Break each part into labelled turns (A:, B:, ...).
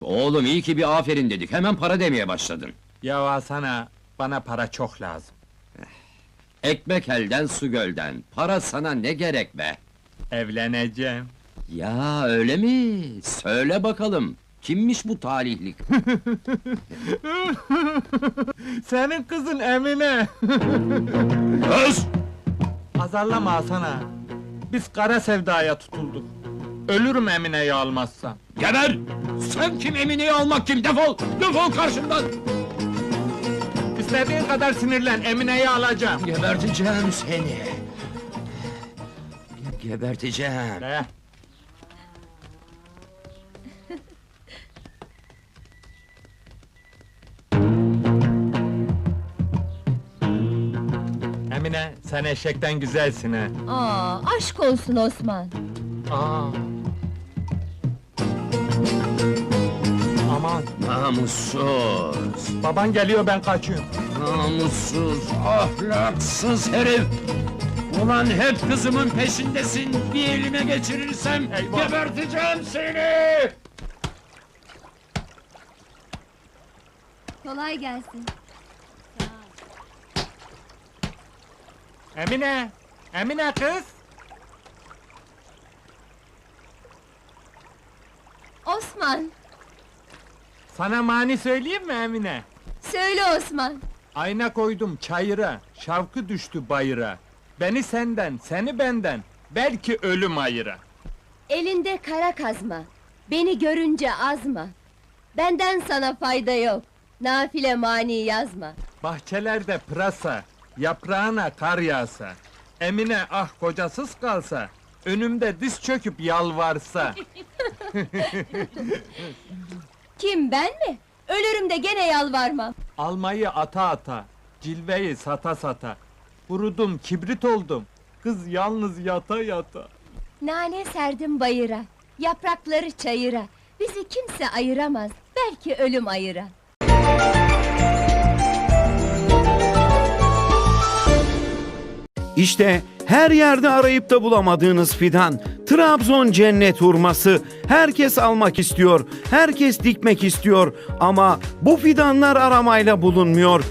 A: Oğlum iyi ki bir aferin dedik, hemen para demeye başladın.
B: Ya Hasan'a, bana para çok lazım.
A: Ekmek elden su gölden, para sana ne gerek be?
B: Evleneceğim.
A: Ya öyle mi? Söyle bakalım, kimmiş bu talihlik?
B: Senin kızın Emine!
A: Öz!
B: Azarlama Hasan'a! Biz kara sevdaya tutulduk. Ölürüm Emine'yi almazsam.
A: Geber! Sen kim, Emine'yi almak kim? Defol! Defol karşımdan!
B: İstediğin kadar sinirlen, Emine'yi alacağım.
A: Geberteceğim seni! Geberteceğim!
B: Ne? Emine, sen eşekten güzelsin ha.
C: Aa, aşk olsun Osman.
B: Aa. Aman,
A: Namussuz!
B: baban geliyor, ben kaçıyorum.
A: Namussuz, ahlaksız herif! Ulan hep kızımın peşindesin, bir elime geçirirsem
B: Eyvah!
A: geberteceğim seni!
C: Kolay gelsin.
B: Emine! Emine kız!
C: Osman,
B: Sana mani söyleyeyim mi Emine?
C: söyle Osman.
B: Ayna koydum çayıra, şavkı düştü bayıra. Beni senden, seni benden, belki ölüm ayıra.
C: Elinde kara kazma, beni görünce azma. Benden sana fayda yok, nafile mani yazma.
B: Bahçelerde pırasa, yaprağına kar yağsa. Emine ah kocasız kalsa, önümde diz çöküp yalvarsa.
C: Kim, ben mi? Ölürüm de gene yalvarmam.
B: Almayı ata ata, cilveyi sata sata. Kurudum, kibrit oldum, kız yalnız yata yata.
C: Nane serdim bayıra, yaprakları çayıra. Bizi kimse ayıramaz, belki ölüm ayıra.
D: İşte her yerde arayıp da bulamadığınız fidan, Trabzon cennet hurması. Herkes almak istiyor, herkes dikmek istiyor ama bu fidanlar aramayla bulunmuyor.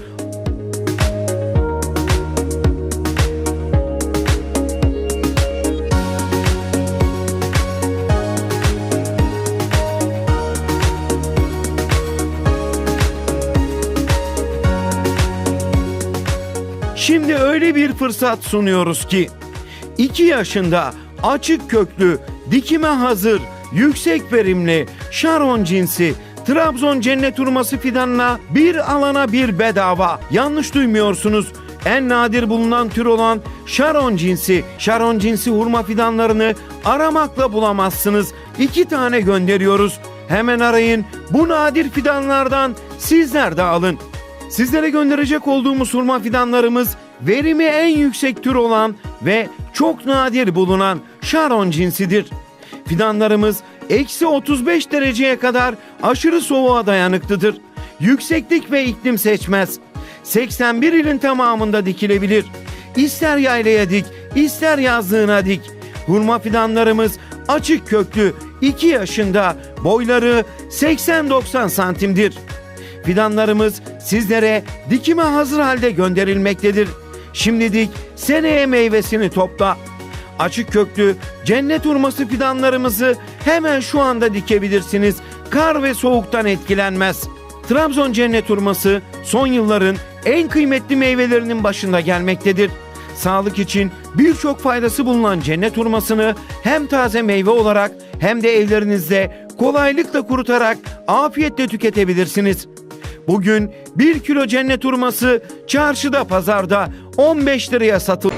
D: Şimdi öyle bir fırsat sunuyoruz ki 2 yaşında açık köklü, dikime hazır, yüksek verimli, Şaron cinsi Trabzon cennet hurması fidanına bir alana bir bedava. Yanlış duymuyorsunuz. En nadir bulunan tür olan Şaron cinsi hurma fidanlarını aramakla bulamazsınız. 2 tane gönderiyoruz. Hemen arayın. Bu nadir fidanlardan sizler de alın. Sizlere gönderecek olduğumuz hurma fidanlarımız verimi en yüksek tür olan ve çok nadir bulunan Şaron cinsidir. Fidanlarımız eksi 35 dereceye kadar aşırı soğuğa dayanıklıdır. Yükseklik ve iklim seçmez. 81 ilin tamamında dikilebilir. İster yaylaya dik, ister yazlığına dik. Hurma fidanlarımız açık köklü, 2 yaşında, boyları 80-90 santimdir. Fidanlarımız sizlere dikime hazır halde gönderilmektedir. Şimdi dik, seneye meyvesini topla. Açık köklü cennet hurması fidanlarımızı hemen şu anda dikebilirsiniz. Kar ve soğuktan etkilenmez. Trabzon cennet hurması son yılların en kıymetli meyvelerinin başında gelmektedir. Sağlık için birçok faydası bulunan cennet hurmasını hem taze meyve olarak hem de evlerinizde kolaylıkla kurutarak afiyetle tüketebilirsiniz. Bugün 1 kilo cennet hurması çarşıda pazarda 15 liraya satılıyor.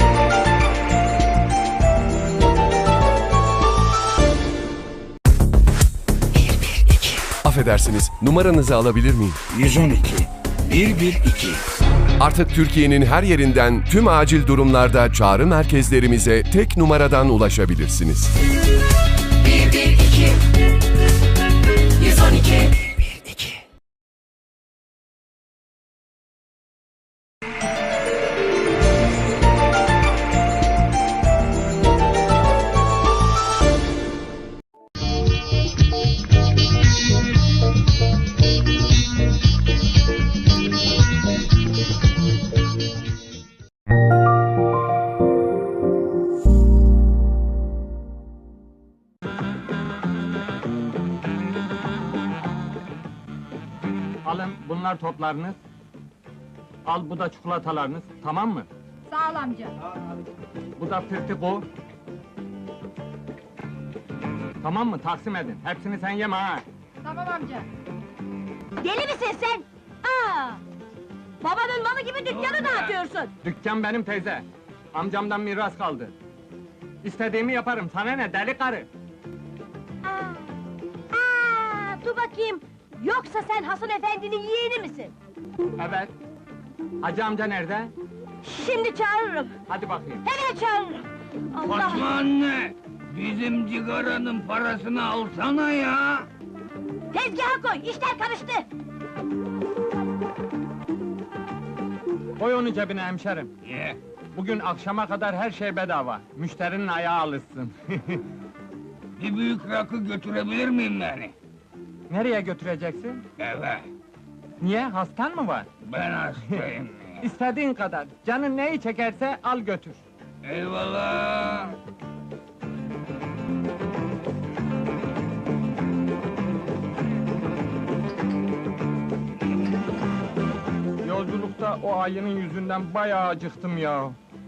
E: Affedersiniz, numaranızı alabilir miyim?
F: 112 112.
E: Artık Türkiye'nin her yerinden tüm acil durumlarda çağrı merkezlerimize tek numaradan ulaşabilirsiniz.
F: 112 112.
B: Alın, bunlar toplarınız. Al, bu da çikolatalarınız, tamam mı?
G: Sağ ol amca.
B: Bu da firtiko. Tamam mı? Taksim edin. Hepsini sen yeme ha!
G: Tamam amca.
C: Deli misin sen? Aa! Babanın malı gibi dükkanı dağıtıyorsun.
B: Dükkan benim teyze. Amcamdan miras kaldı. İstediğimi yaparım, sana ne deli karı?
C: Dur bakayım. Yoksa sen Hasan Efendi'nin yeğeni misin?
B: Evet. Hacı amca nerede?
C: Şimdi çağırırım.
B: Hadi bakayım.
C: Hemen çağırırım. Allah!
F: Fatma anne! Bizim cigaranın parasını alsana ya!
C: Tezgaha koy, işler karıştı.
B: Koy onu cebine hemşerim.
F: Ye!
B: Bugün akşama kadar her şey bedava. Müşterinin ayağı alışsın.
F: Bir büyük rakı götürebilir miyim yani?
B: Nereye götüreceksin?
F: Eve!
B: Niye? Hastan mı var?
F: Ben hastayım.
B: İstediğin kadar. Canın neyi çekerse al götür.
F: Eyvallah!
B: Yolculukta o ayının yüzünden bayağı acıktım ya.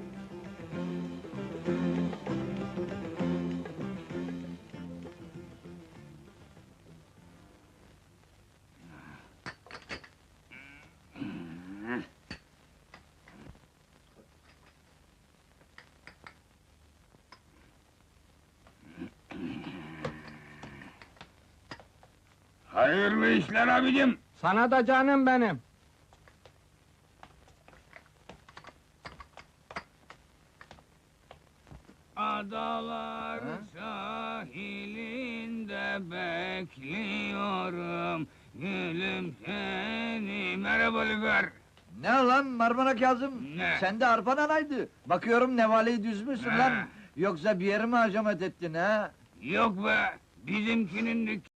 F: Hayırlı işler abicim!
B: Sana da canım benim.
F: Adalar sahilinde bekliyorum. Gülüm seni. Merhaba Lüfer.
H: Ne lan Marmara Kazım?
F: Ne?
H: Sen de arpan anaydı. Bakıyorum nevaleyi düzmüşsün
F: Ne?
H: lan. Yoksa bir yeri mi hacamet ettin ha?
F: Yok be, bizimkinin